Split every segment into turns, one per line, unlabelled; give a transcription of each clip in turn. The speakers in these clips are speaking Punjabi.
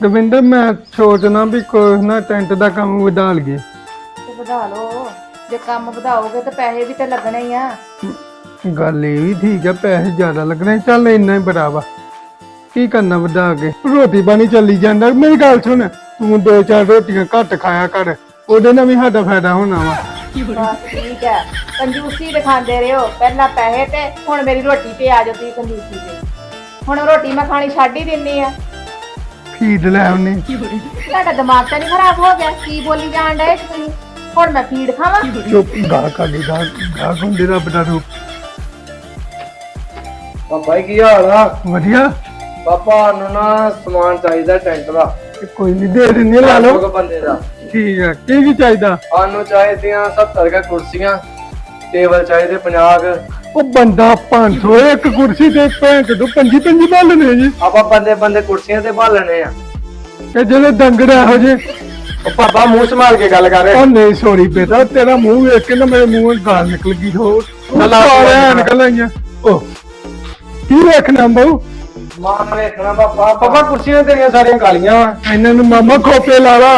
ਦਵਿੰਦਰ ਮੈਂ ਸੋਚਣਾ ਵੀ ਕੋਈ ਨਾ ਟੈਂਟ ਦਾ ਕੰਮ ਵਧਾ ਲਈਏ।
ਤੇ ਵਧਾ ਲਓ, ਜੇ ਕੰਮ ਵਧਾਓਗੇ ਤਾਂ ਪੈਸੇ ਵੀ ਤੇ ਲੱਗਣੇ ਹੀ ਆ।
ਗੱਲ ਇਹ ਵੀ ਠੀਕ ਹੈ, ਪੈਸੇ ਜ਼ਿਆਦਾ ਲੱਗਣੇ, ਚੱਲ ਇੰਨਾ ਹੀ ਬੜਾ ਵਾ। ਕੀ ਕਰਨਾ ਵਧਾ ਕੇ, ਰੋਟੀ ਪਾਣੀ ਚੱਲੀ ਜਾਂਦਾ। ਮੇਰੀ ਗੱਲ ਸੁਣ, ਤੂੰ 2-4 ਰੋਟੀਆਂ ਘੱਟ ਖਾਇਆ ਕਰ, ਉਹਦੇ ਨਾਲ ਵੀ ਸਾਡਾ ਫਾਇਦਾ ਹੋਣਾ ਵਾ।
ਬਸ ਠੀਕ ਹੈ, ਕੰਜੂਸੀ ਦਿਖਾਉਂਦੇ ਰਹੋ, ਪਹਿਲਾਂ ਪੈਸੇ ਤੇ ਹੁਣ ਮੇਰੀ ਰੋਟੀ ਤੇ ਆ ਜਾਓ ਤੁਸੀਂ ਕੰਜੂਸੀ ਤੇ। ਹੁਣ ਰੋਟੀ ਮੈਂ ਖਾਣੀ ਛੱਡ ਹੀ ਦਿੰਨੀ ਆ।
ਫੀਡ ਲੈ ਆਉਨੇ।
ਤੁਹਾਡਾ ਦਿਮਾਗ ਤਾਂ ਨਹੀਂ ਖਰਾਬ ਹੋ ਗਿਆ? ਕੀ ਬੋਲੀ ਜਾਣ ਡਏ ਤੁਸੀਂ? ਹੁਣ ਮੈਂ ਫੀਡ ਖਾਵਾਂ?
ਚੁੱਪ, ਗਾ ਕਾਲੀ ਗਾ ਹੁੰਦੇ ਰੱਬ ਦਾ ਰੂਪ।
ਪਾਪਾ ਕੀ ਹਾਲ ਆ?
ਵਧੀਆ।
ਪਾਪਾ ਨੂੰ ਨਾ ਸਮਾਨ ਚਾਹੀਦਾ ਟੈਂਟ ਦਾ।
ਕੋਈ ਨਹੀਂ, ਦੇ ਦਿੰਦੇ, ਲਾ ਲਓ।
ਦੋ ਬੰਦੇ ਦਾ
ਠੀਕ ਹੈ, ਕੀ ਚਾਹੀਦਾ?
ਸਾਨੂੰ ਚਾਹੀਦੀਆਂ 70 ਕੁ ਕੁਰਸੀਆਂ, ਟੇਬਲ ਚਾਹੀਦੇ 50 ਕੁ।
ਉਹ ਬੰਦਾ 500 ਇੱਕ ਕੁਰਸੀ ਤੇ ਭੈਣ ਚੋਂ 25 ਬਾਲਣੇ ਜੀ।
ਆਪਾਂ ਬੰਦੇ ਬੰਦੇ ਕੁਰਸੀਆਂ ਤੇ ਭਾਲਣੇ ਆ।
ਤੇ ਜਿਹੜੇ ਡੰਗਰ ਇਹੋ ਜੇ।
ਉਹ ਪਾਪਾ ਮੂੰਹ ਸੰਭਾਲ ਕੇ ਗੱਲ ਕਰ
ਉਹ ਨਹੀਂ ਸੋਰੀ ਬੇਟਾ, ਤੇਰਾ ਮੂੰਹ ਵੇਖ ਕੇ ਨਾ ਮੇਰੇ ਮੂੰਹੋਂ ਗਾਲ ਨਿਕਲ ਗਈ। ਹੋਰ ਸਾਰਿਆਂ ਨਿਕਲ ਆਈਆਂ। ਉਹ ਕੀ ਵੇਖਣਾ ਬਾਊ?
ਮਾਨ ਵੇਖਣਾ ਪਾਪਾ। ਪਾਪਾ ਕੁਰਸੀਆਂ ਤੇਰੀਆਂ ਸਾਰੀਆਂ ਕਾਲੀਆਂ ਵਾ।
ਇਹਨਾਂ ਨੂੰ ਮਾਮਾ ਖੋਪੇ ਲਾ ਲਾ।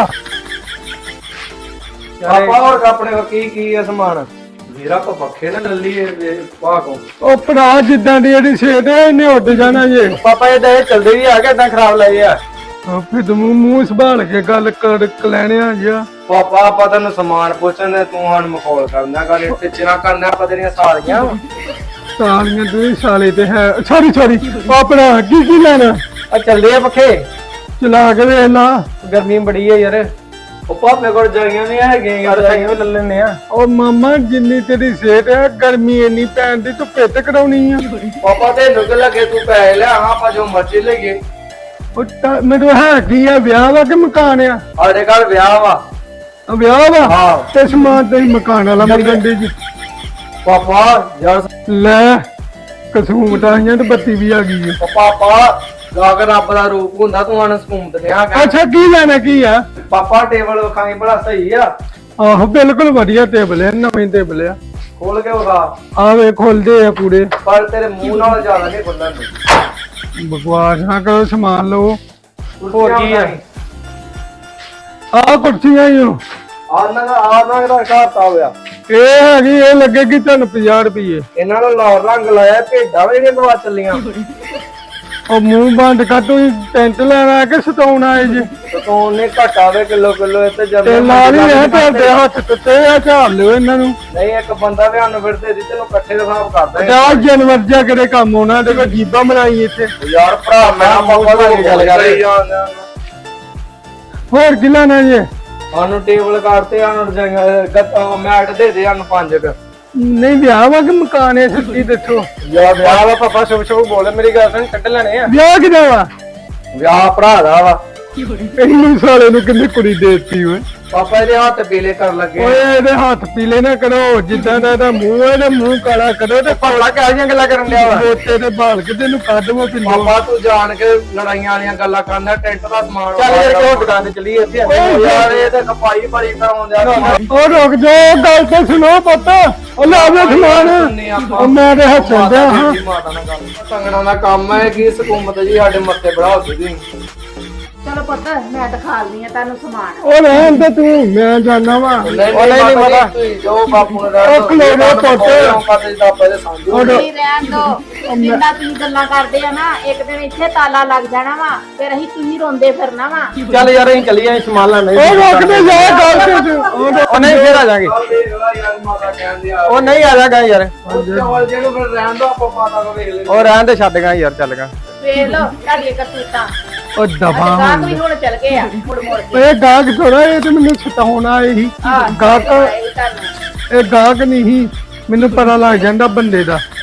ਪਾਪਾ ਹੋਰ ਆਪਣੇ ਕੋ ਕੀ ਹੈ ਸਮਾਨ? ਮੇਰਾ ਕੋ ਪੱਖੇ ਨਾ ਲੱਲੀ ਪਾ ਕੋ।
ਉਹ ਭਰਾ ਜਿੱਦਾਂ ਦੀ ਜਿਹੜੀ ਸੇਧ ਹੈ ਇਹਨੇ ਉੱਡ ਜਾਣਾ ਜੇ।
ਪਾਪਾ ਇਹ ਚੱਲਦੇ ਵੀ ਆ ਕੇ ਏਦਾਂ ਖਰਾਬ ਲਏ ਆ।
ਉਹ ਫਿਰ ਤੂੰ ਮੂੰਹ ਸੰਭਾਲ ਕੇ ਗੱਲ ਕਰ ਲੈਣਿਆ ਜਿਆ।
ਪਾਪਾ ਆਪਾਂ ਤੈਨੂੰ ਸਮਾਨ ਪੁੱਛਣ ਤੂੰ ਹਣ ਮਖੌਲ ਕਰਨਾ ਕਰ ਪਿੱਛੇ ਨਾ ਕਰਨਾ। ਆਪਾਂ ਤੇਰੀਆਂ ਸਾਰੀਆਂ
ਸਾਲੀਆਂ ਤੂੰ ਸਾਲੇ ਤੇ ਹੈ। ਸੌਰੀ ਆਪਣਾ ਕੀ ਲੈਣਾ?
ਆ ਚੱਲਦੇ ਆ ਪੱਖੇ,
ਚਲਾ ਕੇ ਵੇਖ ਲਾ।
ਗਰਮੀ ਬੜੀ ਹੈ ਯਾਰ। ਉਹ ਪਾਪੇ ਕੋਲ ਜਾਈਆਂ ਨਹੀਂ ਹੈਗੀਆਂ ਯਾਰ, ਸਾਈਆਂ ਵੀ ਲੈ ਲੈਣੇ ਆ।
ਉਹ ਮਾਮਾ ਜਿੰਨੀ ਤੇਰੀ ਸਿਹਤ ਹੈ, ਗਰਮੀ ਇੰਨੀ ਪੈਣ ਦੀ, ਤੂੰ ਪਿੱਤ ਕਰਾਉਣੀ ਆ।
ਪਾਪਾ ਤੇ ਨੁਕ ਲੱਗੇ ਤੂੰ ਪੈਸੇ ਲੈ ਆ, ਆਪਾਂ ਜੋ ਮਰਜ਼ੀ ਲਈਏ।
ਉਹ ਮੈਨੂੰ ਹੈ ਕੀ ਆ, ਵਿਆਹ ਵਾ ਕਿ ਮਕਾਨ ਆ?
ਸਾਡੇ ਘਰ ਵਿਆਹ ਵਾ।
ਵਿਆਹ ਵਾ?
ਹਾਂ।
ਤੇ ਸਮਾਨ ਤੇ ਮਕਾਨ ਵਾਲਾ ਮੰਗਣ ਦੀ ਜੀ।
ਪਾਪਾ ਯਾਰ
ਲੈ ਕਸੂਮਤ ਆਈਆਂ ਤੇ ਬੱਤੀ ਵੀ ਆ ਗਈ ਹੈ।
ਪਾਪਾ ਗਾਗ ਰੱਬ ਦਾ ਰੂਪ ਹੁੰਦਾ, ਤੂੰ ਹਣ ਸਕੂਮਤ ਨੇ ਆ।
ਅੱਛਾ ਕੀ ਲੈਣਾ ਕੀ ਆ?
ਪਾਪਾ ਟੇਬਲ ਵਿਖਾਈ ਬੜਾ ਸਹੀ ਆ।
ਆਹੋ ਬਿਲਕੁਲ ਵਧੀਆ ਟੇਬਲ ਹੈ, ਨਵੇਂ ਟੇਬਲ ਆ।
ਖੋਲ ਕੇ ਵਿਖਾ।
ਆਵੇ ਖੁੱਲਦੇ ਆ ਪੂਰੇ।
ਪਰ ਤੇਰੇ ਮੂੰਹ ਨਾਲ ਜ਼ਿਆਦਾ ਨਹੀਂ ਖੁੱਲਣ ਦੇ।
ਬਕਵਾਸ ਨਾ ਕਰੋ, ਸਮਾਨ ਲਓ।
ਹੋਰ ਕੀ ਆ?
ਆਹ ਕੁਰਸੀਆਂ ਹੀ ਹੋ।
ਆਨਾ ਦਾ ਘਾਟਾ ਹੋਇਆ।
ਇਹ ਹੈਗੀ, ਇਹ ਲੱਗੇਗੀ ਤੁਹਾਨੂੰ 50 ਰੁਪਏ।
ਇਹਨਾਂ ਨੂੰ ਲਾਲ ਰੰਗ ਲਾਇਆ, ਭੇਡਾਂ ਵੀ ਜਿਹੜੀਆਂ ਦਵਾ ਚੱਲੀਆਂ।
ਉਹ ਮੂੰਹ ਬੰਦ ਕਰ, ਤੂੰ ਟੈਂਟ ਲੈਣਾ ਕਿ ਸਤਾਉਣ ਆਏ ਜੀ?
ਤੂੰ ਉਹਨੇ ਘਟਾ ਦੇ ਕਿਲੋ ਇੱਥੇ ਜਦ
ਤੇ ਨਾਲ ਹੀ ਇਹ ਤੁਹਾਡੇ ਹੱਥ ਟੁੱਟੇ ਆ, ਝਾੜ ਲਿਓ ਇਹਨਾਂ ਨੂੰ।
ਨਹੀਂ ਇੱਕ ਬੰਦਾ ਵੀ ਸਾਨੂੰ ਫਿਰ ਦੇ ਦਿੱਤੇ, ਤੈਨੂੰ ਇਕੱਠੇ ਦਾ ਹਿਸਾਬ ਕਰਦਾ ਹੈ।
ਜਾ ਜਾਨਵਰ ਜਾ ਕਿਹੜੇ ਕੰਮ ਆਉਣਾ, ਤੇ ਕੋਈ ਜੀਬਾਂ ਬਣਾਈ ਇੱਥੇ।
ਯਾਰ ਭਰਾ ਮੈਂ ਪਾਪਾ ਨਾਲ ਗੱਲ ਕਰ ਰਿਹਾ।
ਹੋਰ ਕੀ ਲੈਣਾ ਜੀ?
ਸਾਨੂੰ ਟੇਬਲ ਕਰਤੇ, ਸਾਨੂੰ ਰਜਾਈਆਂ ਮੈਟ ਦੇ ਦੇ ਸਾਨੂੰ 5 ਕ।
ਨਹੀਂ ਵਿਆਹ ਵਾ ਕਿ ਮਕਾਨ ਹੈ? ਸੱਚੀ ਦੱਸੋ।
ਯਾਰ ਵਿਆਹ ਵਾ ਪਾਪਾ, ਸ਼ੁਭ ਬੋਲ। ਮੇਰੀ ਗੱਲ ਸੁਣ, ਕੱਢ ਲੈਣੇ ਆ।
ਵਿਆਹ ਕਿਦਾ ਵਾ?
ਵਿਆਹ ਭਰਾ ਦਾ ਵਾ।
ਇਹਨੂੰ ਸਾਲੇ ਨੂੰ ਕਿੰਨੀ ਕੁੜੀ ਦੇਤੀ ਓਏ।
ਪਾਪਾ ਇਹਦੇ ਹੱਥ ਪੀਲੇ ਕਰਨ ਲੱਗੇ।
ਓਏ ਇਹਦੇ ਹੱਥ ਪੀਲੇ ਨਾ ਕਰੋ, ਜਿੱਦਾਂ ਦਾ ਇਹਦਾ ਮੂੰਹ ਹੈ ਨਾ, ਮੂੰਹ ਕਾਲਾ ਕਰੋ। ਤੇ
ਭਲਾ ਕਿਹੋ ਜਿਹੀਆਂ ਗੱਲਾਂ ਕਰਨ ਡਿਆ ਵਾ?
ਬੋਤੇ ਦੇ ਬਾਲ ਕੇ ਤੈਨੂੰ ਕੱਢ ਮੋ ਪਿੰਡੋਂ।
ਪਾਪਾ ਤੂੰ ਜਾਣ ਕੇ ਲੜਾਈਆਂ ਵਾਲੀਆਂ ਗੱਲਾਂ ਕਰਦਾ, ਟੈਂਟ ਦਾ ਸਮਾਨ।
ਚੱਲ ਯਾਰ,
ਕਿਉਂ ਦੁਕਾਨ ਤੇ ਚੱਲੀ ਇੱਥੇ? ਯਾਰ ਇਹ ਤਾਂ ਖਪਾਈ ਬੜੀ ਕਰਾਉਣ ਦਿਆ।
ਉਹ ਰੁਕ ਜਾ, ਗੱਲ ਤਾਂ ਸੁਣੋ ਪੁੱਤ। ਉਹ ਲੈ ਆਵੇ ਸਮਾਨ। ਉਹ ਮੈਂ ਤੇ ਹੱਸਣ ਡਿਆ ਹਾਂ।
ਸੰਗਣਾ ਦਾ ਕੰਮ ਹੈ ਕੀ ਸਕੂਮਤ ਜੀ ਸਾਡੇ ਮੱਥੇ ਬੜਾ ਹੁੰਦੀ।
ਚਲੋ ਪੁੱਤ, ਮੈਂ ਦਿਖਾ ਲਦੀ ਆ ਤੁਹਾਨੂੰ ਸਮਾਨ।
ਉਹ ਰਹਿਣ ਤੇ ਤੂੰ, ਮੈਂ ਜਾਣਾ ਵਾ।
ਨਹੀਂ ਪਤਾ ਜੋ ਬਾਪੂ ਨੇ
ਉਹ ਖਲੋਣਾ ਪੁੱਤ।
ਨਹੀਂ ਰਹਿਣ ਦੋ, ਜਿੰਨਾ ਤੁਸੀਂ ਗੱਲਾਂ ਕਰਦੇ ਆ ਨਾ, ਇੱਕ ਦਿਨ ਇੱਥੇ ਤਾਲਾ ਲੱਗ ਜਾਣਾ ਵਾ, ਫਿਰ ਅਸੀਂ ਤੁਸੀਂ ਰੋਂਦੇ ਫਿਰਨਾ ਵਾ।
ਚੱਲ ਯਾਰ ਅਸੀਂ ਚੱਲੀਏ ਸਮਾਨ ਲੈਣ।
ਉਹ ਰੁਕਦੇ ਜਾ, ਗੱਲ ਤੇ
ਉਹ ਨਹੀਂ ਫੇਰ ਆ ਜਾਾਂਗੇ। ਉਹ ਨਹੀਂ ਆ ਜਾਗਾ ਯਾਰ। ਉਹ ਰਹਿਣ ਦੇ, ਛੱਡ ਗਾ ਯਾਰ, ਚੱਲ ਗਾ।
ਵੇਖ ਲਓ ਤੁਹਾਡੀਆਂ ਕਰਤੂਤਾਂ।
ਉਹ ਦਫਾ
ਗਾਹਕ ਵੀ ਹੁਣ ਚੱਲ ਗਏ ਆ ਮੁੜ ਮੁੜ ਕੇ।
ਇਹ ਗਾਹਕ ਥੋੜਾ, ਇਹ ਤੇ ਮੈਨੂੰ ਸਤਾਉਣਾ ਇਹੀ ਗਾਹਕ। ਇਹ ਗਾਹਕ ਨਹੀਂ ਸੀ, ਮੈਨੂੰ ਪਤਾ ਲੱਗ ਜਾਂਦਾ ਬੰਦੇ ਦਾ।